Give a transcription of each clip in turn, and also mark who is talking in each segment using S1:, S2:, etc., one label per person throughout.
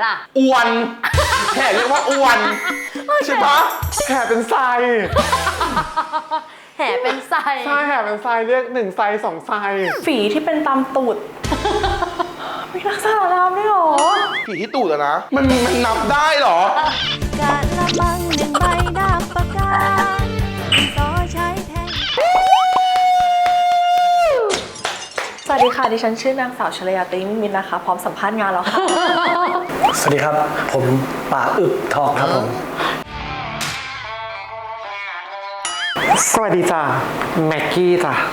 S1: ล่ะ
S2: อ้วนแห่เรียกว่าอ้วนใช่ปะแห่เป็นไซ
S1: แห่เป็นไซ
S2: ใช่แห่เป็นไซเรียก1 ไซ 2 ไซ
S3: ฝีที่เป็นตามตูดมีลักษณะน้ำด้วยเหรอ
S2: ผีที่ตูดอะนะมันนับได้เหรอ
S4: กะละมังหนึ่งใบดาบปากกาต่อใช้แทน
S3: สวัสดีค่ะดิฉันชื่อนางสาวชลยาตรีมิมินนะคะพร้อมสัมภาษณ์งานแล้วค่ะ
S5: สวัสดีครับ ผมป่าอึบทองครับผม
S2: สวัสดีจ้ะแม็กกี้จ้ะ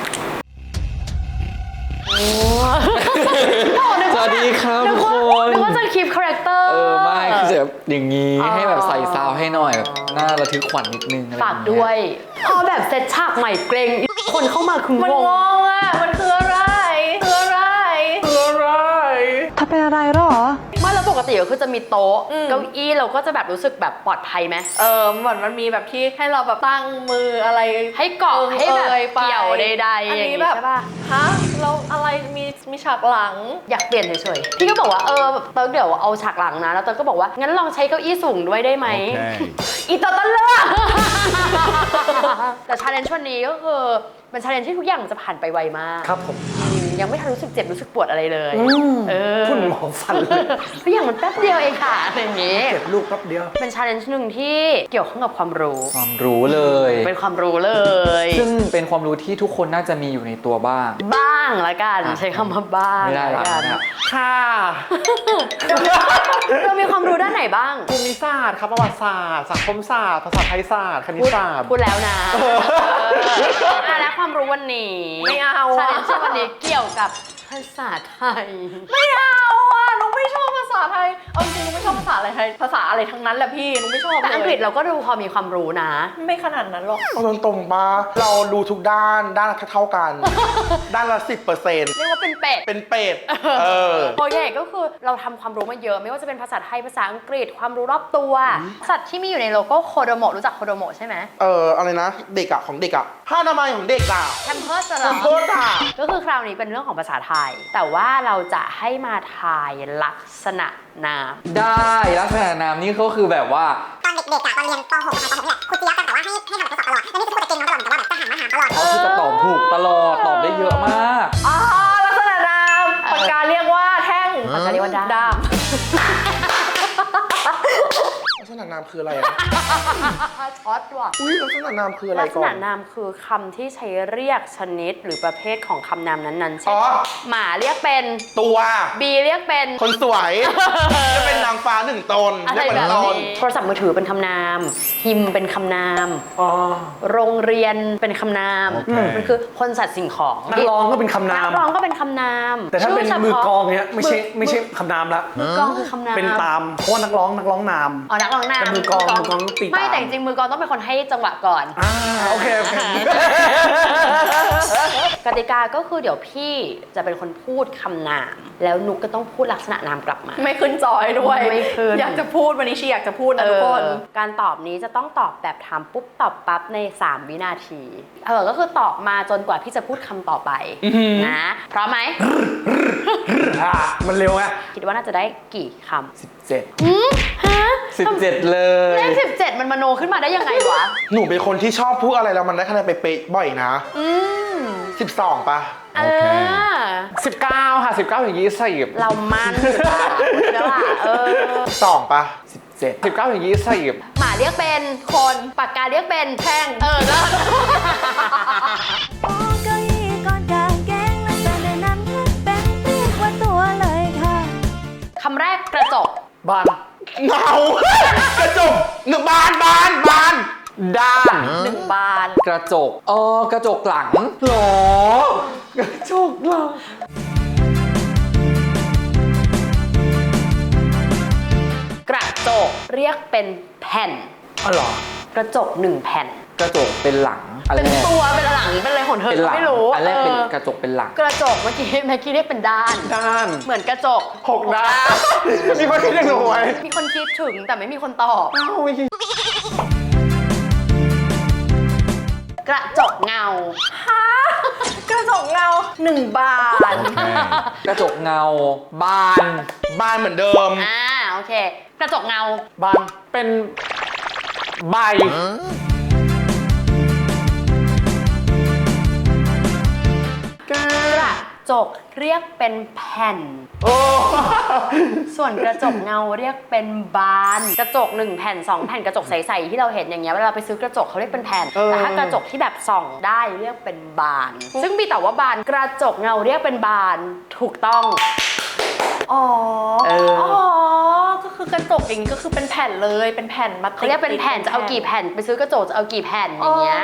S6: สวัสดีครับทุกคน
S1: นึกว่าจะคลิปคาแรคเตอร์
S6: ไม่คือจะแบบอย่างนี้ให้แบบใส่ซาวให้หน่อยแบบน่าระทึกขวัญนิดนึงอะไร
S1: ฝากด้วยพอแบบเซตฉากใหม่เกรงคนเข้ามาคือ
S3: มัน
S1: ง
S3: ง
S1: ง
S3: งอ่ะ มันคืออะไรคืออะไรคืออะไร
S4: ถ้าเป็นอะไรหรอ
S1: ไม่แล้วปกติก็คือจะมีโต๊ะเก้าอี้เราก็จะแบบรู้สึกแบบปลอดภัยไหม
S3: เหมือนมันมีแบบที่ให้เราแบบตั้งมืออะไร
S1: ให้เกาะให้แบบเกี่ยวใดๆ
S3: อัน
S1: อย่าง
S3: นี้
S1: นี้
S3: แบบ
S1: ใช่ป่ะ
S3: ฮะเราอะไรมีฉากหลัง
S1: อยากเปลี่ยนเฉยๆพี่ก็บอกว่าแบบเติร์กเดี๋ยวเอาฉากหลังนะแล้วเติร์กก็บอกว่างั้นลองใช้เก้าอี้สูงด้วยได้ไหม อีตัวต้นเลือก แต่ชาเลนจ์วันนี้ก็คือเป็นชาเลนจ์ที่ทุกอย่างจะผ่านไปไวมาก
S5: ครับผม
S1: ยังไม่ทันรู้สึกเจ็บรู้สึกปวดอะไรเลยเ
S5: คุณหมอฟันเลย
S1: ทุกอย่างมันแป๊บเดียวเองค่ะอะไรอย่างนี้
S5: เก็บลูกแป๊บเดียว
S1: เป็นชาเลนจ์หนึ่งที่เกี่ยวข้องกับความรู้
S6: ความรู้เลย
S1: เป็นความรู้เลย
S6: ซึ่งเป็นความรู้ที่ทุกคนน่าจะมีอยู่ในตัวบ้าง
S1: บ้างละกันใช้คำว่าบ้าง
S6: ไม่ได้
S1: ละ
S6: ละ
S1: กัน
S6: นะ
S2: ค่ะ
S1: เรามีความรู้ด้านไหนบ้าง
S2: ภูมิศาสตร์ครับประวัติศาสตร์สังคมศาสตร์ภาษาไทยศาสตร์คณิตศาสตร์
S1: พูดแล้วนะและความรู้วันนี้
S3: ไม่เอาอะ
S1: ชาเลนจ์วันนี้เกี่ยวกับภาษาไทย
S3: ไม่เอาอ่ะหนูไม่ชอบภาษาไทยเอาจริงๆหนูไม่ชอบภาษาอะไรไทยภาษาอะไรทั้งนั้นแหละพี่หนูไม่ชอบเลย
S1: แต่อังกฤษเราก็ดูพอมีความรู้นะ
S3: ไม่ขนาดนั้นหรอก
S2: เอาตรงๆปะเรารู้ทุกด้านละเท่ากัน ด้านละ 10%
S1: เรียกว่าเป็นเป็ด
S2: เป็นเป็ด
S1: โอเคก็คือเราทำความรู้มาเยอะไม่ว่าจะเป็นภาษาไทยภาษาอังกฤษความรู้รอบตัว สัตว์ที่มีอยู่ในโลโก้โคโดโมะรู้จักโคโดโมะใช่ไหม
S2: อะไรนะเด็กอะของเด็กอะผ้าอนามัยของเด็กอะ
S1: แคมเพิร์สเหร
S2: ข
S1: อ
S2: อโทษอะ
S1: ก็คือคราวนี้เป็นเรื่องของภาษาไทย แต่ว่าเราจะให้มาทายลักษณะนาม
S6: ได้ลักษณะนามนี่ก็คือแบบว่า
S7: ตอนเด็กๆอะตอนเรียนป .6 นะคะป .6 นี่แหละครูเจี๊ยบแต่ว่าให้ทำแบบทดสอบตลอดแล้วนี่คือพูดแต่เก่งน้องตลอดแต่ว่าแบบจะหันมาถามตลอด
S6: เขาคือจะตอบถูกตลอดตอบได้เยอะมาก
S3: อ๋อลักษณะนามปากกาเรียกว่าแท่ง
S1: ปากกาเรียกว่าด้าม
S2: ลักษณะนามคืออะไรอะ
S1: ช็อตว่ะ
S2: อุ้ยลักษณะนามคืออะไร
S1: ลักษ
S2: ก่อ
S1: ณะ
S2: น
S1: นามคือคำที่ใช้เรียกชนิดหรือประเภทของคำนามนั้นๆเช่
S2: อ๋
S1: น
S2: อ
S1: หมาเรียกเป็น
S2: ตัว
S1: บีเรียกเป็น
S2: คนสวย จะเป็นนางฟ้า1 ตน
S1: อะไร
S2: เรียก
S1: แบ
S2: เป็น
S1: บ
S2: ต
S1: นี้
S2: น
S1: โทรศัพท์มือถือเป็นคำนามฮิมเป็นคำนาม
S5: อ๋อ
S1: โรงเรียนเป็นคำนาม มันคือคนสัตว์สิ่งของ
S5: นักร้องก็เป็นคำนาม
S1: นักร้องก็เป็นคำนาม
S5: แต่ถ้าเป็น
S1: ชื่ฉพะ
S5: มือกลองเนี้ยไม่ใช่คำนามละ
S1: มือกลองคือคำนาม
S5: เป็นตามเพราะว่านักร้องนาม
S1: อ๋อนักร้องนาม
S5: แต่มือกลองต้องตีตาม
S1: ไม่แต่จริงๆมือกลองต้องเป็นคนให้จังหวะก่อน
S5: โอเค
S1: กติกาก็คือเดี๋ยวพี่จะเป็นคนพูดคำนาม แล้วนุกก็ต้องพูดลักษณะนามกลับมา
S3: ไม่ขึ้นจอยด้วย
S1: ไม่ขึ้น
S3: อยากจะพูดวันนี้ชีอยากจะพูดนะทุกคน
S1: การตอบนี้จะต้องตอบแบบถามปุ๊บตอบปั๊บใน 3 วินาทีก็คือตอบมาจนกว่าพี่จะพูดคำต่อไปนะพร้อมไหม
S5: มันเร็วไง
S1: คิดว่าน่าจะได้กี่คำ
S6: 17
S1: ฮะ
S6: 17 เลย
S1: เลข17 มันมโนขึ้นมาได้ยังไงวะ
S2: หนูเป็นคนที่ชอบพูดอะไรแล้วมันได้คะแนนเป๊ะๆบ่อยนะ 12 ป่ะ
S6: 19 ค่ะ19ถึง20
S1: เรามั่นอยู่แล้วล่ะ
S2: 2 ป่ะ
S6: 17 19ถึง20
S1: หมาเรียกเป็นคนปากกาเรียกเป็นแท่งก็
S4: โอ้เก้าอี้ก่อนกางเกงและแต่ในนั้นเป็นเรียกว่าตัวเลยค่ะ
S1: คำแรกกระจก
S5: บ้าน
S2: เงากระจกหนึ่งบาน
S6: ด้าน
S3: 1 บาน
S6: กระจกกระจกหลังหรอกระจกหลัง
S1: กระจกเรียกเป็นแผ่น
S5: อ๋อเหรอก
S1: ระจก1 แผ่น
S6: กระจกเป็นหลังอัน
S1: เป็น
S6: แรก
S1: ตัวเป็นหลังเป็นอะไรของเธอ
S6: เป็นหลัง
S1: ไม่รู้
S6: อันแรกเป็น
S1: เออก
S6: ระจกเป็นหลัง
S1: กระจกเมื่อกี้แม็กกี้เรียกเป็นด้าน
S2: ด้าน
S1: เหมือนกระจก
S2: 6 ด้าน มีคนคิดอย่างหนูไหม
S1: มีคนคิดถึงแต่ไม่มีคนตอบ
S2: ไม่คิด
S1: กระจกเงา
S3: กระจกเงา1 บาน
S6: กระจกเงาบาน
S2: บานเหมือนเดิม
S1: โอโอเค กระจกเงา
S5: บานเป็นใบ
S1: กระจกเรียกเป็นแผ่น
S5: โอ้
S1: ส่วนกระจกเงาเรียกเป็นบาน กระจก1แผ่น2แผ่นกระจกใสๆที่เราเห็นอย่างเงี้ยเวลาไปซื้อกระจกเขาเรียกเป็นแผ่นแต่ถ้ากระจกที่แบบส่องได้เรียกเป็นบาน ซึ่งมีแต่ว่าบานกระจกเงาเรียกเป็นบานถูกต้อง
S3: อ๋อ
S1: เอออ๋
S3: ก็คือกระจกอย่างนี้ก็คือเป็นแผ่นเลยเป็นแผ่นมาติด
S1: เขาเรียกเป็นแผ่นจะเอากี่แผ่นไปซื้อกระจกจะเอากี่แผ่นอย่างเงี้ย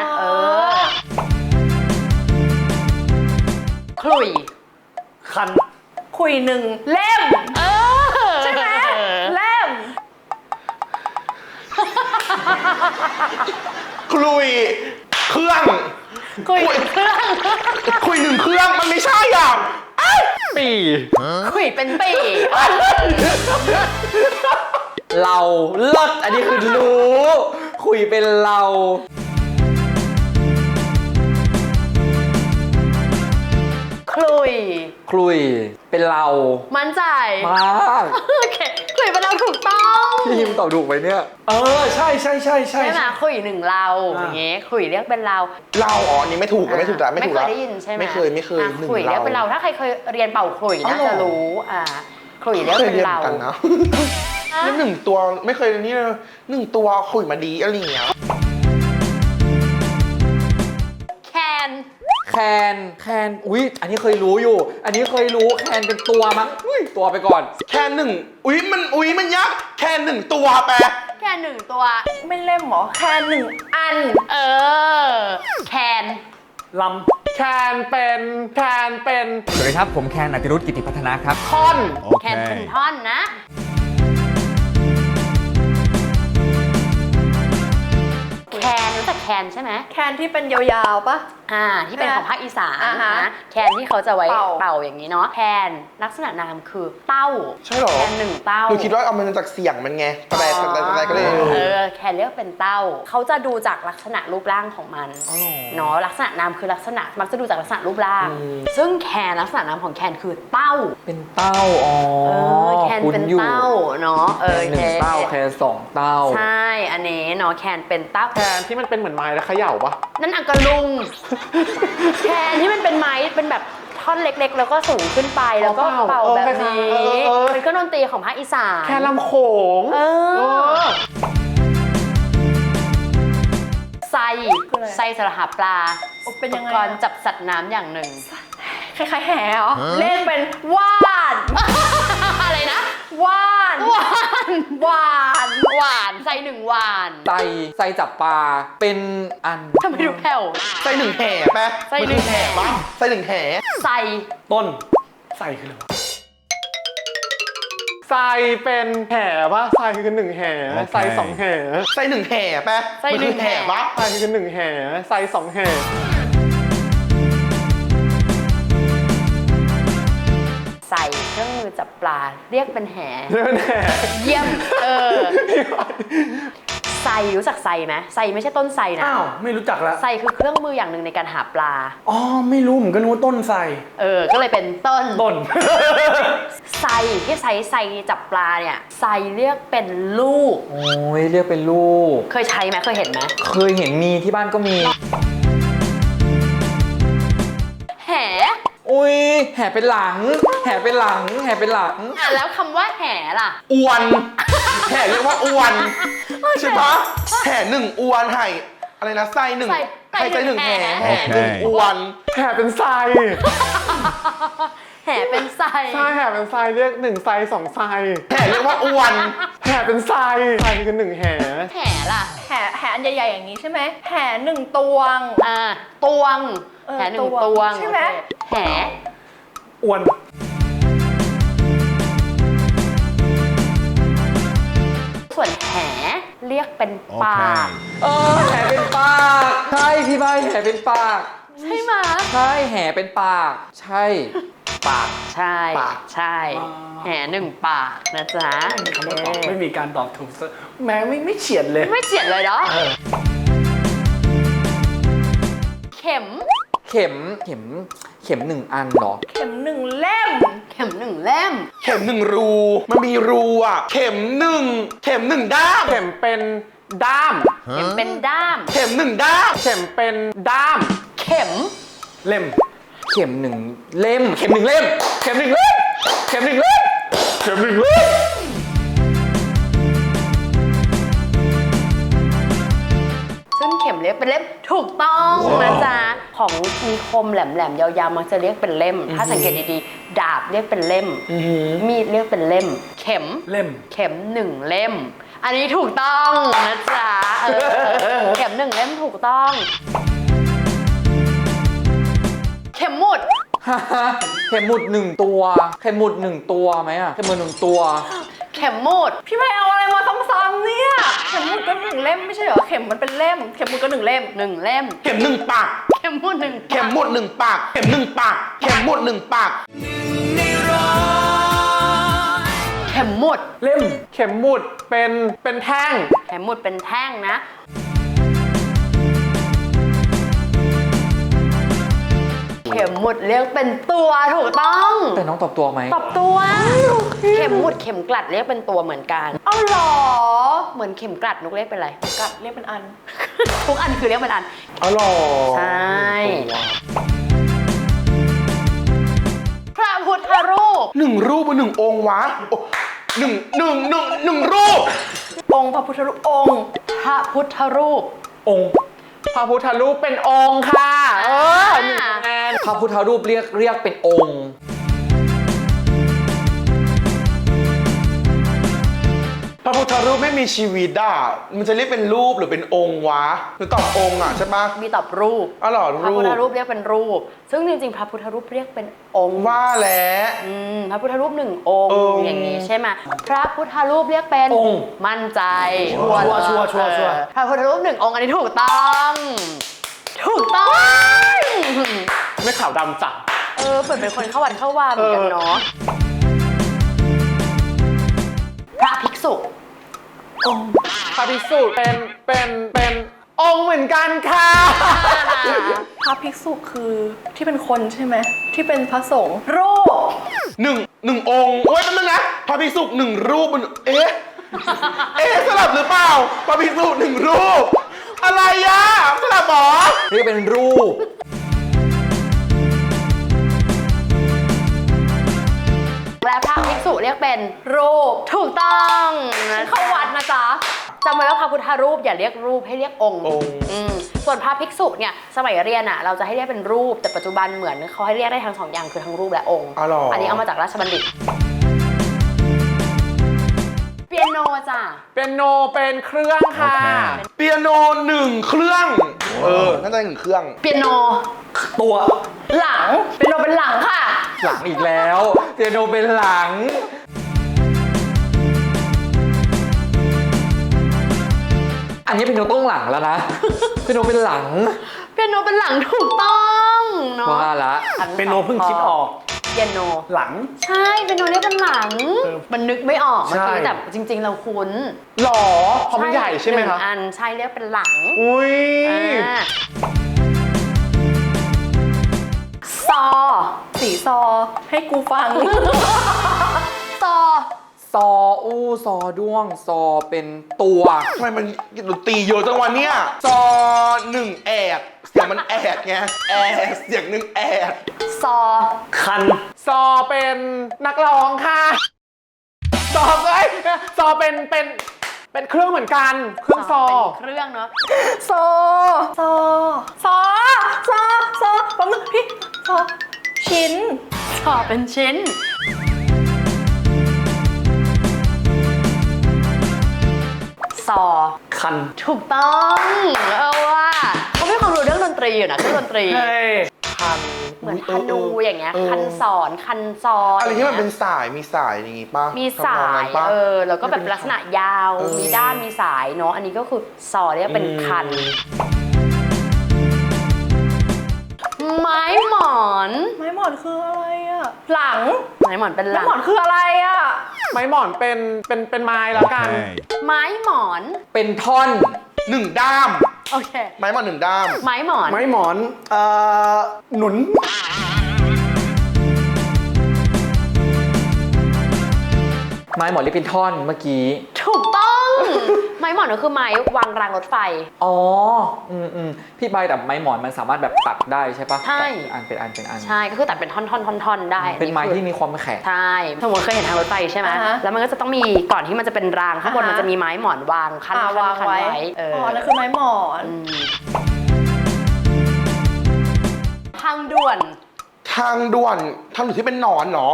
S1: ขลุ่ย
S5: คัน
S3: คุยหนึ่งเล่มใช่ไหมเล่ม
S2: คลุยเครื่อง
S1: ขลุ่ยเครื่อง
S2: คุย1 เครื่องมันไม่ใช่อ่ะ
S5: ปี
S1: ขลุ่ยเป็นปี
S6: เราเลิศอันนี้คือรู้ คุยเป็นเรา
S1: ขลุ่ย
S6: คลุยเป็นเรา
S1: มั่นใจ
S6: มาก
S1: โอเคขลุ่ยเป็นเราถูกต้อง
S6: พี่ฮิมตอบถูกไหมเนี่ย
S5: ใช่ใช่ใช่ใช่
S1: ใช่ไหมขลุ่ยหนึ่งเราอย่างเงี้ยขลุ่ยเรียกเป็นเรา
S2: เราอ๋ออันนี้ไม่ถูกไม่ถูกละไม่ถูก
S1: เค
S2: ละ
S1: ยได้ยินใช่ไหม
S2: ไม่เคยหนึ่ง
S1: ขลุ่ยเรียกเป็นเราถ้าใครเคยเรียนเป่าขลุ่ยน่าจะรู้ขลุ่ยเรียก
S2: เคย
S1: เป็น
S2: เรียน
S1: เรา
S2: กันนะนี่1 ตัวไม่เคยนี่เลย1 ตัวคุยมาดีอะไรอย่างเงี้ย
S1: แคน
S6: แคนอุ๊ยอันนี้เคยรู้อยู่ อันนี้เคยรู้แคนเป็นตัวมั้งอุ๊ยตัวไปก่อน
S2: แค่1อุ้ยมันยักษ์แค่1 ตัวแปล
S1: แคนหนึ่งตัว
S3: ไม่เล่มหรอแค่หนึ่งอัน
S1: แคน
S5: ลำแคนเป็นแคนเป็น
S8: สวัสดีครับ ผมแคนอติรุธกิติพัฒนาครับ
S5: ท่อน
S1: แคนเป็นท่อนนะ แคนรู้จักแคนใช่ไหม
S3: แคนที่เป็นยาวๆปะ
S1: ที่เป็นของภาคอีสาน
S3: อ่าฮะ
S1: นะแคนที่เขาจะไว้
S3: เป่า
S1: เป่าอย่างนี้เนาะแคนลักษณะนามคือเต้า
S2: ใช่เหรอ
S1: แคนหนึ่งเต้า
S2: หนูคิดว่าเอามันจากเสียงมันไงแต่ก็เลย
S1: แคนเรียกเป็นเต้าเขาจะดูจากลักษณะรูปร่างของมันเนาะลักษณะนามคือลักษณะมักจะดูจากลักษณะรูปร่าง ซึ่งแคนลักษณะนามของแคนคือเต้า
S6: เป็นเต้าอ๋อ
S1: แคน
S6: คุ้
S1: เป็น
S6: อยู่
S1: เต้าเนาะ
S6: แคนหนึ่งเต้าแคนสองเต้า
S1: ใช่อันนี้เนาะแคนเป็นเต้า
S5: แคนที่มันเป็นเหมือนไม้แล้วเขย่าปะ
S1: นั่นอังกะลุง แคนที่มันเป็นไม้เป็นแบบท่อนเล็กๆ แล้วก็สูงขึ้นไปแล้วก็เป่าแบบนี้เป็นเครื่องดนตรีของภาคอีสาน
S5: แคนลำโขง
S1: ไซไซสระหาปลา
S3: เป็นยังไง
S1: อุปกรณ์จับสัตว์น้ำอย่างหนึ่ง
S3: คล้ายๆแห่เหรอเล่นเป็นว่าน
S1: อะไรนะ
S3: ว่าน
S1: หวาน
S3: ว่าน
S1: หวานไซหนึ่งหวาน
S6: ไซจับปลาเป็นอัน
S1: ทำไมดูแผ่ว
S2: ไส้1 แห่แปล
S1: ไส้1 แห่
S2: ปะไส้1 แห่
S1: ไซ
S5: ต้นใส่คืออะไรวะใส่เป็นแห่ปะใส่คือ1 แห่
S8: โอเค
S5: ใส่2 แห่
S2: ไส้1 แห่แปลมันคือแห่ปะ
S5: ใส่คือ1 แห่ใส่2 แห่
S1: ใส่เครื่องมือจับปลาเรียกเป็นแห
S5: เรื่องแห่
S1: เยี่ยมไซรู้จักไซไหมไซไม่ใช่ต้นไซนะ
S5: อ้าวไม่รู้จักละ
S1: ไซคือเครื่องมืออย่างหนึ่งในการหาปลา
S5: อ๋อไม่รู้ผมก็นึกว่าต้นใส่
S1: ก็เลยเป็นต้น
S5: ต้น
S1: ไซที่ไซจับปลาเนี่ยไซเรียกเป็นลูก
S6: โอ้ยเรียกเป็นลูก
S1: เคยใช้ไหมเคยเห็นไหม
S6: เคยเห็นมีที่บ้านก็มี
S1: แห
S6: อุ้ยแห่เป็นหลัง แห่เป็นหลัง แห่เป็นหลัง
S1: แล้วคำว่าแหล่ะ
S2: อวนแห่เรียกว่าอวนใช่ปะแห่1 อวนไห่อะไรนะไส้1
S1: ไส้
S2: ไห่ไส้1 แห่
S1: แห่
S2: แห่1 อวน
S5: แห่เป็นไซ
S1: แหเป็นไซ
S5: ใช่แห่เป็นไซเรียก1 ไซ 2 ไซ
S2: แห่เรียกว่าอวน
S5: แห่เป็นไซคือ1 แห่
S1: แหล่ะ
S3: แห่อันใหญ่ๆอย่างนี้ใช่ไหมแห่หนึ่งตวง
S1: ตวง
S3: เออ
S1: แหหนึ่ง
S3: ต
S1: ต
S3: ว
S1: ว
S3: ง
S1: ง
S3: ใช่ไหม
S1: โอเคแห
S5: อ้วน
S1: ส่วนแหเรียกเป็นปาก
S6: แห่เป็นปาก ใช่พี่ใบแห่เป็นปาก
S1: ใช่ไหม
S6: ใช่แห่เป็นปาก ใช่ ปาก
S1: ใช่
S2: ปาก
S1: ใช่แห1 ปากนะจ๊ะ
S5: คำว่าตอบไม่มีการตอบถูกแม้ไม่เฉียดเลย
S1: ไม่เจียดเลยเนาะเข็ม
S6: เข็ม 1 อันเหรอ
S3: เข็มหนึ่งเล่ม
S1: เขเข็มหนึ่งเล่ม
S2: เข็มหนึ่งรูมันมีรูอ่ะ เข็มหนึ่งด้าม
S6: เข็มเป็นด้าม
S1: เข็มเป็นด้าม
S2: เข็มหนึ่งด้าม
S6: เข็มเป็นด้าม
S1: เข็ม
S6: เล่ม เข็มหนึ่งเล่ม เข็มหนึ่งเล่ม เข็มหนึ่งเล่ม เข็มหนึ่งเล่ม เข็มหนึ่งเล่ม
S1: ซึ่งเข็มเรียกเป็นเล่มถูกต้องนะจ๊ะ ของมีคมแหลมๆยาวๆมักจะเรียกเป็นเล่ม ถ้าสังเกตดีๆ ดาบเรียกเป็นเล่ม มีดเรียกเป็นเล่ม เข็ม
S6: เล่ม
S1: เข็มหนึ่งเล่ม อันนี้ถูกต้องนะจ๊ะเข็มหนึ่งเล่มถูกต้อง เข็มหมุด
S6: เข็มหมุดหนึ่งตัว เข็มหมุดหนึ่งตัวไหมอะเข็มหมุดหนึ่งตัว
S1: เข็มหมุด
S3: พี่ไม่เอาอะไรมาซ้ำๆเนี่ยเข็มหมุดก็หนึ่งเล่มไม่ใช่เหรอเข็มมันเป็นเล่มเข็มหมุดก็หนึ่งเล่ม
S1: หนึ่งเล่ม
S2: เข็มหนึ่งปาก
S1: เข็มหมุดหนึ่ง
S2: เข็มหมดหนึ่งปาก เข็มหนึ่งปาก เข็มหมดหนึ่งปาก
S1: เข็มหมุด
S6: เล่ม เข็มหมุดเป็นแท่ง
S1: เข็มหมุดเป็นแท่งนะ เข็มหมุดเรียกเป็นตัวถูกต้อง
S6: แต่น้องตอบตัวไหม
S1: ตอบตัว เข็มหมุดเข็มกลัดเรียกเป็นตัวเหมือนกัน
S3: เอาเหรอ
S1: เหมือนเข็มกลัดนุกเรียกเป็นอะไร
S3: กัดเรียกเป็นอัน
S1: ทุกอันคือเรียกเป็นอัน
S2: อ๋อเหรอ
S1: ใช่ พระพุทธรูป
S2: หนึ่งรูปหรือหนึ่งองค์วะโอ้หนึ่งรูป
S3: องค์พระพุทธรูปองค์
S1: พระพุทธรูป
S6: องค์พระพุทธรูปเป็นองค์ค่ะ หนึ่งคะแนนพระพุทธรูปเรียกเป็นองค์
S2: พระพุทธรูปไม่มีชีวิตอ่ะ มันจะเรียกเป็นรูปหรือเป็นองค์วะหรือตอบองค์อ่ะใช่ปะ
S1: มีตอบรูป
S2: อ๋อเหรอ
S1: พระ
S2: รู
S1: พุทธ
S2: ป
S1: รูปเรียกเป็นรูป ซึ่งจริงๆ พระพุทธรูปเรียกเป็นองค์
S2: ว่าแล้ว
S1: พระพุทธรูปหนึ่งองค์ อย่างนี้ใช่ไหมพระพุทธรูปเรียกเป็น
S6: องค์
S1: มั่นใจ
S5: ชัวร์
S1: พระพุทธรูปหนึ่งองค์อันนี้ถูกต้อง ถูกต้อง
S6: ไม่ขาวดำจ้ะ
S1: เหมือนเป็นคนเข้าวัดเข้าวาเหมือนกันเนาะ พระภิกษุ
S6: พระภิกษุเป็นองค์เหมือนกันค่ะ
S3: พระภิกษุคือที่เป็นคนใช่ไหมที่เป็นพระสงฆ์รูป
S2: หนึ่งองค์โอ้ยนั่นนะพระภิกษุหนึ่งรูปมันเอ๊ะสลับหรือเปล่าพระภิกษุหนึ่งรูป อะไรอ่ะสลับหรอ
S6: เรียกเป็นรูป
S1: และพระภิกษุเรียกเป็นรูป ถูกต้องนะ
S3: เข้าวัดนะจ๊ะ
S1: จำไว้ว่าพระพุทธรูปอย่าเรียกรูปให้เรียกองค์
S2: องค์
S1: ส่วนพระภิกษุเนี่ยสมัยเรียนอ่ะเราจะให้เรียกเป็นรูปแต่ปัจจุบันเหมือนเขาให้เรียกได้ทั้งสองอย่างคือทั้งรูปและองค์
S2: อ๋อเหรออั
S1: นนี้เอามาจากราชบัณฑิต เปียโนจ้ะ
S6: เป็นโนเป็นเครื่องค่ะ
S2: เปียโนหนึ่งเครื่อง น่าจะหนึ่งเครื่อง
S1: เปียโน
S6: ตัว
S3: หลังเป็นโนเป็นหลังค่ะ
S6: หลังอีกแล้วเปียโนเป็นหลัง อันนี้เป็นโนต้องหลังแล้วนะ เป็นโนเป็นหลัง
S1: เปียโนเป็นหลังถูกต้องเนาะ
S6: ว่าละ
S5: เป็นโนเพิ่งคิดออก
S1: เปียโน
S5: หลัง
S1: ใช่เปียโนเรียกเป็นหลัง มันนึกไม่ออกเมื่อกี้
S5: ใช่
S1: แต่จริง ๆ เราคุ้น
S6: หรอเพราะมันใหญ่ใช่ไหม
S1: นึ่ง
S6: คะ
S1: อันใช่เรียกเป็นหลัง
S6: อุ้ย
S1: ซอ
S3: สีซอให้กูฟัง
S1: ซอ
S6: ซออู้ซอด้วง ซอเป็นตัว
S2: ทำไมมันดนตรีเยอะจังวันเนี้ยจอหนึ่งแอดเสียงมันแอดไงแอดเสียงหนึ่งแอด
S1: ซอ
S5: คัน
S6: ซอเป็นนักร้องค่ะ ซอเป็นเครื่องเหมือนกัน เครื่องซอ
S1: เป็นเครื่องเนาะ
S3: ซอซอซอซอซอแป๊บนึงพี่ซอชิ้น
S1: ซอเป็นชิ้น ซอ
S5: คัน
S1: ถูกต้องว่าเขาไม่ความรู้เรื่องดนตรีอยู่นะเครื่องดนตรี
S5: เฮ้ย
S2: คัน
S1: เหมือนคันดูอย่างเงี้ย
S2: เออ
S1: คันสอนคันซอน
S2: อะไรที่มันเป็นสายมีสายอย่างงี้ป่ะ
S1: มีสา
S2: ทำนองนั้
S1: ย
S2: นปะ
S1: แล้วก็แบบลักษณะยาว
S2: เออ
S1: มีด้านมีสายเนาะอันนี้ก็คือซอเรียกเป็นคัน ไม้หมอน
S3: ไม้หมอนคืออะไรอะหลัง
S1: ไม้หมอนเป็นห
S3: ไม้
S1: ลัง
S3: หมอนคืออะไรอะ
S6: ไม้หมอนเป็นไม้แล้วกัน
S1: ไม้หมอน
S6: เป็นท่อน
S2: หนึ่งด้าม
S1: โอเค
S2: ไม้มาหนึ่งด้าม
S1: ไม้หมอน
S5: ไม้หมอน หนุน
S6: ไม้หมอนเรียกเป็นท่อนเมื่อกี้
S1: ถูกต้อง ไม้หมอนก็คือไม้วางรางรถไฟ
S6: อ๋อพี่ใบแต่ไม้หมอนมันสามารถแบบตัดได้ใช่ปะ
S1: ใช่
S6: เป็นอัน
S1: ใช่ก็คือตัดเป็นท่อนๆได้
S6: เป็นไม้
S1: คือ
S6: ที่มีความแข็ง
S1: ใช่สมมติเคยเห็นทางรถไฟใช่ไหม แล้วมันก็จะต้องมีก่อนที่มันจะเป็นรางข้างบนมันจะมีไม้หมอนวางคัน
S3: วางไว้
S1: เออ
S3: อ๋อนั่นคือไม้หมอน
S1: ทางด่วน
S2: ทางด่วนที่เป็นหนอนเหรอ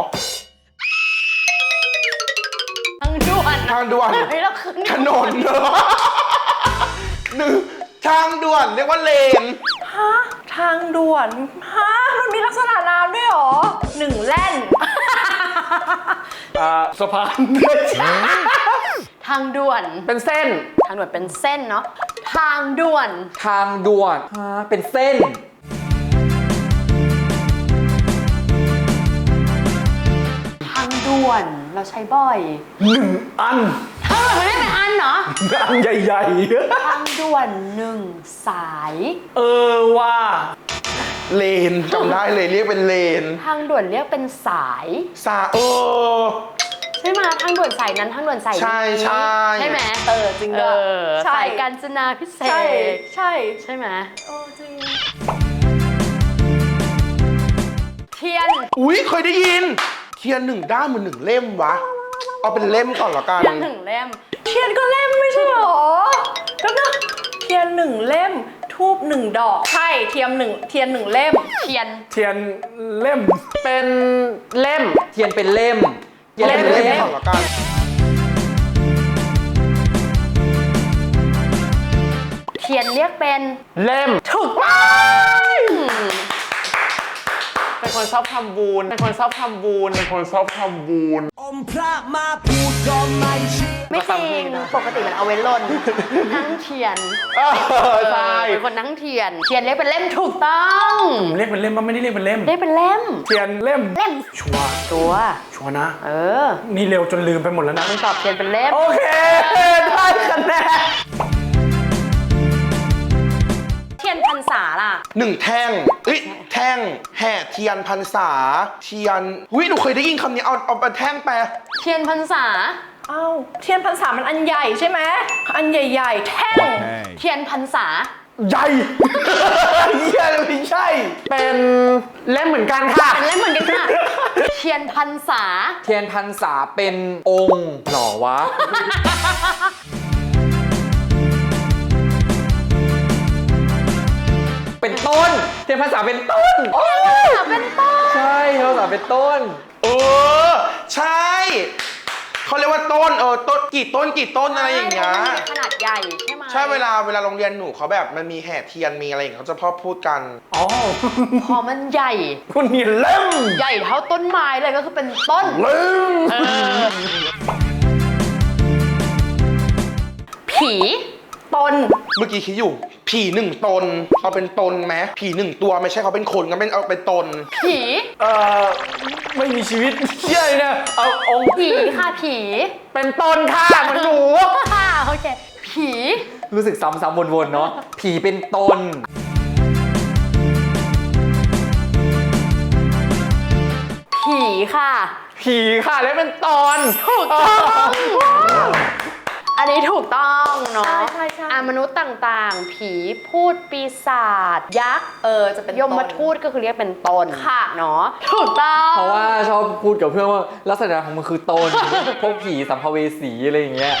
S1: ทางด่วน
S2: ทางด่วน
S1: เฮ้ยเราขึ้น
S2: ถนนเหรอหนึ่งทางด่วนเรียกว่าเลน
S3: ฮะ ทางด่วน ฮะ มันมีลักษณะนามด้วยเหรอ 1 แล่น
S5: สะพาน
S1: ทางด่วน
S6: เป็นเส้น
S1: ทางด่วนเป็นเส้นเนาะทางด่วน
S6: ทางด่วนเป็นเส้น
S1: ทางด่วนเราใช้บ่อย
S5: อัน
S1: ทางด่วนมันไม่เป็นอันเนาะ
S5: อันใหญ่
S1: ทางด่วน1 สาย
S5: ๆ ว่า
S2: เลนจำได้เลยเรียกเป็นเลน
S1: ทางด่วนเรียกเป็นสาย ใช่ไหมทางด่วนสายนั้นทางด่วนสายนี้
S2: ใช่ใช่
S1: ใช่ไหม
S3: จริงด้วย ใช่
S1: สายกาญจนาพิเศ
S3: ใช่
S1: ษ
S3: ใช่
S1: ใช่ไหม
S3: จริง
S1: เทียน
S2: อุ๊ยเคยได้ยิน เทียน1 ด้ามเหมือน1 เล่มวะ เอาเป็นเล่มก่อนละกัน
S1: เทียน1 เล่ม
S3: เทียนก็เล่มไม่ใช่เหรอก็นะเทียน1 เล่ม ทูบ1 ดอก ใช่ เทียน1 เล่ม
S1: เทียน
S5: เทียนเล่ม
S6: เป็นเล่ม เทียนเป็นเล่ม
S2: เอาเป็นเล่มก่อนละกัน
S1: เทียนเรียกเป็น
S6: เล่ม
S1: ถูกต้อง
S5: เป็นคนชอบทำบุญ เป็นคนชอบทำบุญ เป็นคนชอบทำบุญ
S1: ไม่จริง ปกติมันเอาไว้ลนนั่งเทียน
S2: ใช่
S1: เป็นคนนั่งเทียน เทียนเรียกเป็นเล่มถูกต้อง
S5: เรียกเป็นเล่มมันไม่ได้เรียกเป็นเล่ม
S1: เรียกเป็นเล่ม
S5: เทียนเล่ม
S1: เล่ม
S5: ชัวร์
S1: ตัว
S5: ชัวร์นะ
S1: เออ
S5: นี่เร็วจนลืมไปหมดแล้วนะ
S1: มึงตอบเทียนเป็นเล่ม
S5: โอเค ได้คะแนน
S1: เทียนพรรษาล่ะ
S2: 1 แท่งแท่งแห่เทียนพรรษา เทียนหนูเคยได้ยินคำนี้ เอาเป็นแท่งแปล
S1: เทียนพรรษา
S3: เอ้า เทียนพรรษามันอันใหญ่ใช่ไหม อันใหญ่ๆ แท่ง
S1: เทียนพรรษา
S5: ใหญ่เหี้ยไม่ใช่ เป็นเล่มเหมือนกันค่ะ
S1: เป็นเล่มเหมือนกันค่ะ เทียนพรรษา
S6: เทียนพรรษาเป็นองค์หรอวะ เป็นต้น เทียนพรรษาเป็นต้น
S1: เป็นต้น
S6: ใช่เทียนพรรษาเป็นต้น
S2: ใช่ เขาเรียกว่าต้นต้นกี่ต้นอะไรอย่างเงี้ย
S1: มันมีขนาดใหญ่ใช่ไหม
S2: ใช่เวลาโรงเรียนหนูเขาแบบมันมีแห่เทียนมีอะไรอย่างเงี้ยเขาจะพอพูดกัน
S5: อ๋อ
S1: พอมันใหญ่
S5: คุณมีเล่ม
S1: ใหญ่เท่าต้นไม้เลยก็คือเป็นต้น
S5: เล่ม
S1: ผี
S3: ตน
S2: เมื่อกี้คิดอยู่ ผี1 ตนเอาเป็นตนไหมผี1 ตัวไม่ใช่เขาเป็นคนก็เป็นเอาเป็นตน
S1: ผี
S5: ไม่มีชีวิตเชี่ยเลยนะเอาองค์
S1: ผีค่ะผี
S5: เป็นต้นค่ะเหมันหนู
S1: ค่ะโอเค ผี
S6: รู้สึกซ้ำๆวนๆเนาะ ผีเป็นตน
S1: ผีค่ะ
S5: ผีค่ะแล้วเป็นตอน
S1: ถูกต้อง อันนี้ถูกต้องเนาะ
S3: ใช่
S1: มนุษย์ต่างๆ ผีพูดปีศาจยักษ์
S3: จะเป็น
S1: ยมทูตก็คือเรียกเป็นตน
S3: ค่ะ
S1: เนาะถูกต้อง
S6: เพราะว่าชอบพูดกับเพื่อนว่าลักษณะของมันคือตน พวกผีสัมภเวสีอะไรอย่างเงี้ย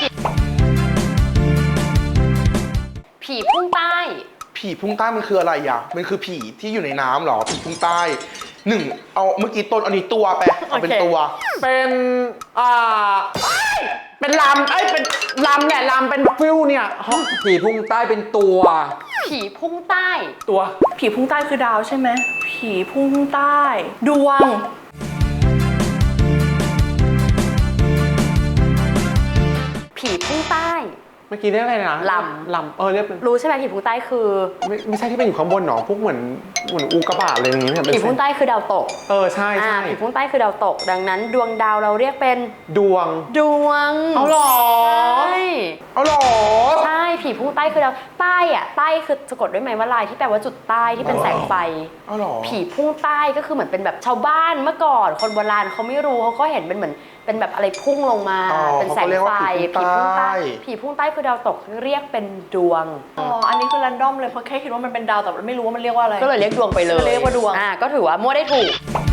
S1: ผีพุ่งใต้
S2: ผีพุ่งใต้มันคืออะไรอ่ะมันคือผีที่อยู่ในน้ำเหรอผีพุ่งใต้1เอาเมื่อกี้ต้นอันนี้ตัวไปเอาเป็นตัว
S5: เป็นเป็นลำเป็นลำเนี่ยลำเป็นฟิวเนี่ย
S6: ผีพุ่งใต้เป็นตัว
S1: ผีพุ่งใต้
S5: ตัว
S3: ผีพุ่งใต้คือดาวใช่ไหม ผีพุ่งใต้ ดวง
S1: ผีพุ่งใต้
S5: เมื่อกี้เรียกอะไรนะ
S1: ล
S5: ลำเรียกเป็น
S1: รู้ใช่ไหมผีพุ่งใต้คือ
S5: ไม่ใช่ที่เป็นอยู่ข้างบนหรอพวกเหมือนอุกกาบาตอะไรอย่างงี้เนี่ยเป็น
S1: ผีพุ่งใต้คือดาวตก
S5: ใช่ใช่
S1: ผีพุ่งใต้คือดาวตก ดังนั้นดวงดาวเราเรียกเป็น
S5: ดวง
S1: ดวง
S5: เอาหรอ
S1: ใช่
S2: เอาเหรอ
S1: ใช่ผีพุ่งใต้คือดาวใต้อะใต้คือสะกดด้วยไหมว่าลายที่แปลว่าจุดใต้ที่เป็นแสงไฟ
S2: เอาเหรอ
S1: ผีพุ่งใต้ก็คือเหมือนเป็นแบบชาวบ้านเมื่อก่อน คนโบราณเขาไม่รู้เขาก็เห็นเป็นเหมือนเป็นแบบอะไรพุ่งลงมา
S2: อ๋อ
S1: เป็นแสง
S2: เขาเรียก
S1: ไฟ
S2: ว่าผีพุ่งใต้
S1: ผีพุ่งใต้คือดาวตกเรียกเป็นดวง
S3: อ๋อ อันนี้คือแรนดอมเลยเพราะแค่คิดว่ามันเป็นดาวแต่ไม่รู้ว่ามันเรียกว่าอะไร
S1: ก็เลยเรียกดวงไปเลย
S3: ก็เลยเรียกว่าดวง
S1: ก็ถือว่ามั่วได้ถูก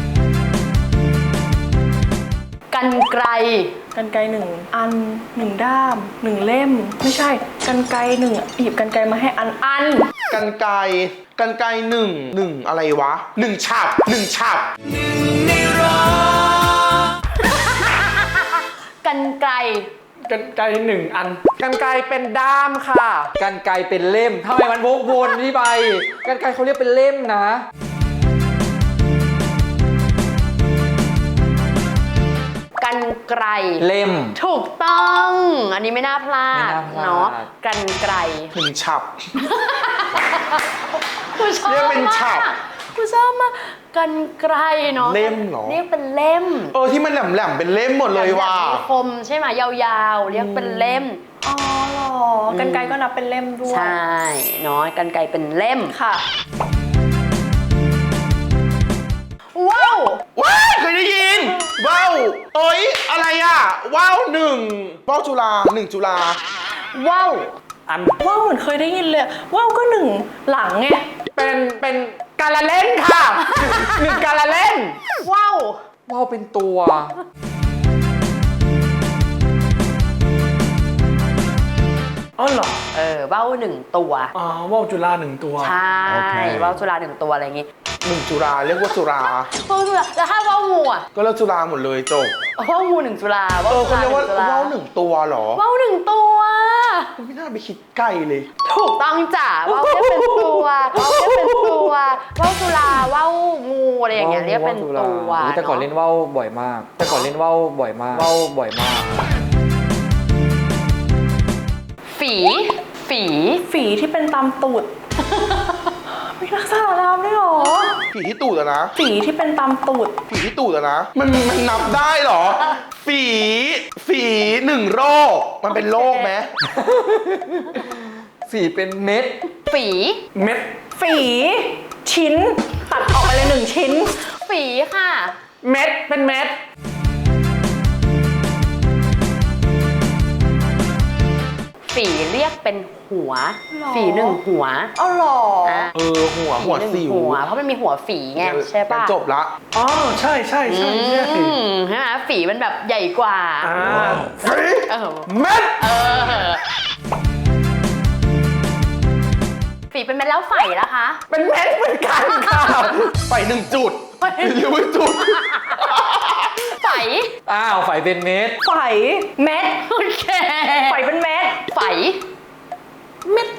S1: กันไกร
S3: กันไกรหนึ่งอันหนึ่งด้ามหนึ่งเล่ม ไม่ใช่กันไกรหนึ่งหยิบกันไกรมาให้อัน
S2: กันไกรหนึ่งอะไรวะหนึ่งฉับ
S1: กันไกร
S5: กันไกล1 อัน กันไกลเป็นด้ามค่ะ
S6: กันไกรเป็นเล่มทำไมมันวกวนพี่ใบกันไกรเขาเรียกเป็นเล่มนะ
S1: กันไกร
S6: เล่ม
S1: ถูกต้อง อันนี้ไม่น่าพลาด
S6: ไม่น่าพลาด
S1: เนาะกันไกร
S2: หนึ่งฉับ
S1: กูชอบ
S2: เรียกเป็น
S1: มา
S2: ฉับ
S1: กกูชอบมากกันไกรเนาะ
S2: เล่มเหรอ
S1: เรียกเป็นเล่ม
S2: ที่มันแหลมๆเป็นเล่มหมดเลยว่ะ
S1: แบบมีคมใช่ไหมยาวๆ เรียกเป็นเล่ม
S3: อ๋อเหรอ กันไกรก็นับเป็นเล่มด้วย
S1: ใช่เนาะกันไกรเป็นเล่ม
S3: ค่ะ
S1: ว้าว
S2: ว้ายเคยได้ยิน ว้าวอะไรอ่ะ ว้าวหนึ่งว้าวจุฬา1 จุฬา
S1: ว้าว
S5: อัน
S3: ว่าวเหมือนเคยได้ยินเลยว่าวก็หนึ่งหลังไง
S5: เป็นการละเล่นค่ะ 1 การละเล่น
S1: ว้าว
S6: ว่าวเป็นตัว
S5: อ๋อเหรอ
S1: ว้าวหนึ่งตัว
S5: อ๋อว่าวจุฬา1 ตัว
S1: ใช่ว้าวจุฬาหนึ่งตัวอะไรอย่างงี้
S2: 1 จุฬาเรียกว่าจุฬา
S1: ว้าวจุฬาแล้วถ้าว้าวงูอ่ะ
S2: ก็เรียกจุฬาหมดเลยจบ
S1: ว้าวงูหนึ่งจุฬาว้าวจุ
S2: เขา
S1: ฬา
S2: เรียกว่า
S1: หนึ่งจุฬา
S2: ว้าว1 ตัวเหรอ
S1: ว้าวหนึ่งตัว
S2: ไม่น่าไปคิดไกลเลย
S1: ถูกต้องจ้ะว้าวเรียกเป็นตัวว้าวเรียกเป็นตัวว้าวจุฬาว้าวงูอะไรอย่างเงี้ยเรียกเป็นตัว
S6: แต่ก่อนเล่นว่าวบ่อยมาก ว่าวบ่อยมาก
S1: ฝี
S3: ฝีที่เป็นตามตูด มีลักษณะนามด้วยเหรอ
S2: ผีที่ตูดอะนะ
S3: ฝีที่เป็นตามตูด
S2: ผีที่ตูดอะนะ มันนับได้เหรอ ฝี1 โรค มันเป็นโรคไหม
S6: ฝีเป็นเม็ด
S1: ฝี
S5: เม็ด
S3: ฝีชิ้น ตัดออกไปเลย1 ชิ้น
S1: ฝีค่ะ
S5: เม็ด เป็นเม็ด
S1: ฝีเรียกเป็นหัว
S3: หรอ
S1: ฝีหนึ่งหัว
S3: อ๋อเหรอ
S1: อ่ะ
S2: หัว
S1: หนึ่ง
S2: สิว
S1: หัว เพราะมันมีหัวฝีไงใช่ปะ
S2: จบละ
S5: อ๋อ ใช่ใช่
S1: อื
S5: ใช่
S1: มใช่ไหมฝีมันแบบใหญ่กว่า
S2: ฝี
S1: เออ
S2: เม็ด
S1: ฝีเป็นเม็ดแล้วไฝล่ะคะ
S5: เป็นเม็ดเหมือนกันค่ะ
S2: ไป1 จุดหรือว่าจุด
S1: ไฝ
S6: อ้าวไฝเป็นเม็ด
S3: ไฝเม็ด
S1: โอเค
S3: ไฝเป็นเม็ด
S1: ไฝเม็ด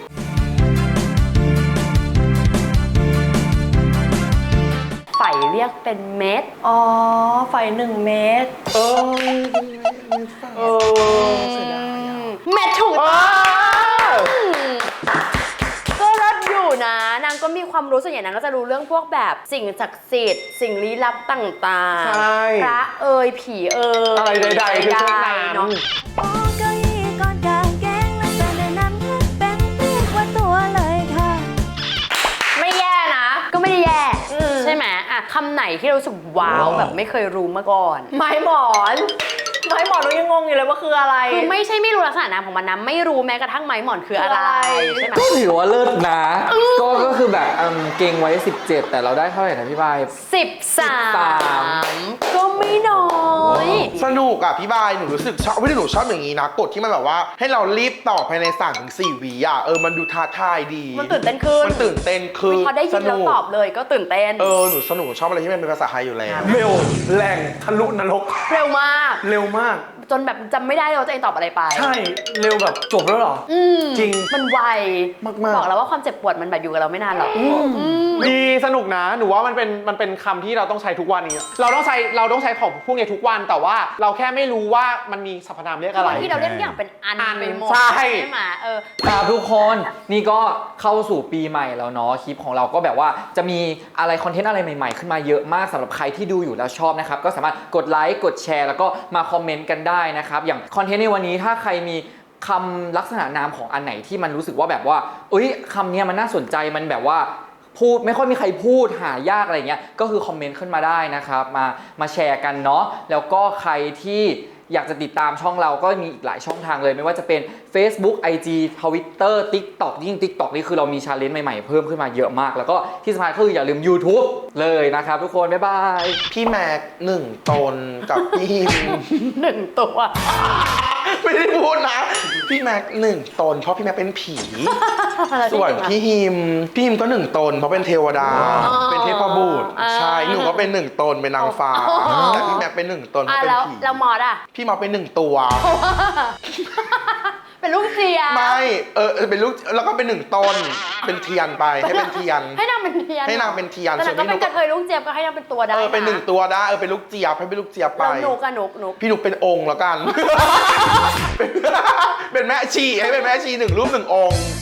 S1: ไฝเรียกเป็นเม็ด
S3: อ๋อ ไฝ1 เม็ด
S1: เม็ดถูกต้องก็รถอยู่นะนางก็มีความรู้ส่วนใหญ่นางก็จะรู้เรื่องพวกแบบสิ่งศักดิ์สิทธิ์สิ่งลี้ลับต่างๆ
S5: ใช่
S1: พระเอ่ยผีเอ่ย
S5: อะไรใดๆคือพวกนั้น
S1: เนาะ
S4: โอ้เก้าอี้ก้อนกางแกงและแต่ในนั้นเป็นเรียกว่าตัวเลยค่ะ
S3: ไม่แย่นะ
S1: ก็ไม่ได้แย่ใช่ไหมอ่ะคำไหนที่เรารู้สึกว้าวแบบไม่เคยรู้มาก่อน
S3: ไม้หมอน ไม้หมอนเรายังงงอยู่เลยว่าคืออะไร
S1: คือไม่ใช่ไม่รู้ลักษณะนามของมันนะไม่รู้แม้กระทั่งไม้หมอนคืออะไร
S3: คืออะไร
S1: ใช่ไหม
S6: ก็ถือว่าเลิศนะ ก็คือแบบเก่งไว้ 17 แต่เราได้เท่าไหร่นะพี่บาย
S1: 13 ก็ไม่น้อย
S2: สนุกอ่ะพี่บายหนูรู้สึกชอบไม่ได้หนูชอบอย่างนี้นะกฎที่มันแบบว่า ให้เรารีบตอบภายใน3-4 วิอ่ะมันดูท้าทายดี
S1: มันตื่นเต้นขึ้น
S2: มันตื่นเต้นคือ
S1: พอได้ยินแล้วตอบเลยก็ตื่นเต้น
S2: หนูสนุกชอบอะไรที่มันเป็นภาษาไทยอยู่แล้ว
S5: เร็ว แรงทะลุนรก
S1: เร็วมาก
S5: เร็วมาก
S1: จนแบบจำไม่ได้เลยว่าตัวเองตอบอะไรไป
S5: ใช่ เร็วแบบจบแล้วเหรอ จริง
S1: มันไว
S2: มากๆ
S1: บอกแล้วว่าความเจ็บปวดมันแบบอยู่กับเราไม่นานหรอก
S5: ดีสนุกนะ หนูว่ามันเป็นคำที่เราต้องใช้ทุกวันนี้เราต้องใช้ของพวกนี้ทุกวัน แต่ว่าเราแค่ไม่รู้ว่ามันมีสรรพนามเรียกอะไร
S1: บางที่เราเรียกทุกอย่างเป็นอัน
S5: อัน
S1: ไปหมด
S5: ใช่
S1: ไหม
S6: ครับทุกคนนี่ก็เข้าสู่ปีใหม่แล้วเนาะคลิปของเราก็แบบว่าจะมีอะไรคอนเทนต์อะไรใหม่ๆขึ้นมาเยอะมากสำหรับใครที่ดูอยู่แล้วชอบนะครับก็สามารถกดไลค์กดแชร์แล้วก็มาคอมเมนต์กันได้นะครับอย่างคอนเทนต์ในวันนี้ถ้าใครมีคำลักษณะนามของอันไหนที่มันรู้สึกว่าแบบว่าเอ้ยคำนี้มันน่าสนใจมันแบบว่าพูดไม่ค่อยมีใครพูดหายากอะไรเงี้ยก็คือคอมเมนต์ขึ้นมาได้นะครับมาแชร์กันเนาะแล้วก็ใครที่อยากจะติดตามช่องเราก็มีอีกหลายช่องทางเลยไม่ว่าจะเป็น Facebook IG Twitter TikTok ยิ่ง TikTok นี่คือเรามีชาเลนจ์ใหม่ๆเพิ่มขึ้นมาเยอะมากแล้วก็ที่สำคัญคืออย่าลืม YouTube เลยนะครับทุกคนบ๊ายบาย
S2: พี่แม็ก1 ตนกับพี่ฮิม
S1: 1 ตัว
S2: ไม่ได้พูดนะ พี่แม็ก1 ตนเพราะพี่แม็กเป็นผี ส่วนพี่ฮิมก็1 ตนเพราะเป็นเทวดา เป็นเทพบุตรใช่หนูก็เป็น1 ตนเป็นนางฟ้าแต่พี่แม็กเป็น1 ตนเพราะเป็น
S1: แล้ว
S2: ผี
S1: แล้วมอสอ่ะ
S2: พี่มาเป็น1 ตัว
S1: เป็นลูกเจีย
S2: ไม่เป็นลูกแล้วก็เป็น1 ตนเป็นเทียนไปให้เป็นเทียน
S1: ให้นางเป็นเทียน
S2: ให้นางเป็นเทียน
S1: แต่
S2: ส่วน
S1: ก็
S2: พี่
S1: เป็
S2: นุ
S1: น
S2: ก
S1: กระเทยลูกเจี๊ยบก็ให้นางเป็นตัวได้
S2: เป็น1 ตัวได้เป็นลูกเจี๊ยบให้เป็นลูกเจี๊ยบไป
S1: แล้วหนูกับหนู
S2: พี่นุกเป็นองค์แล้วกัน เป็นแม่ชีให้เป็นแม่ชี1 รูป 1 องค์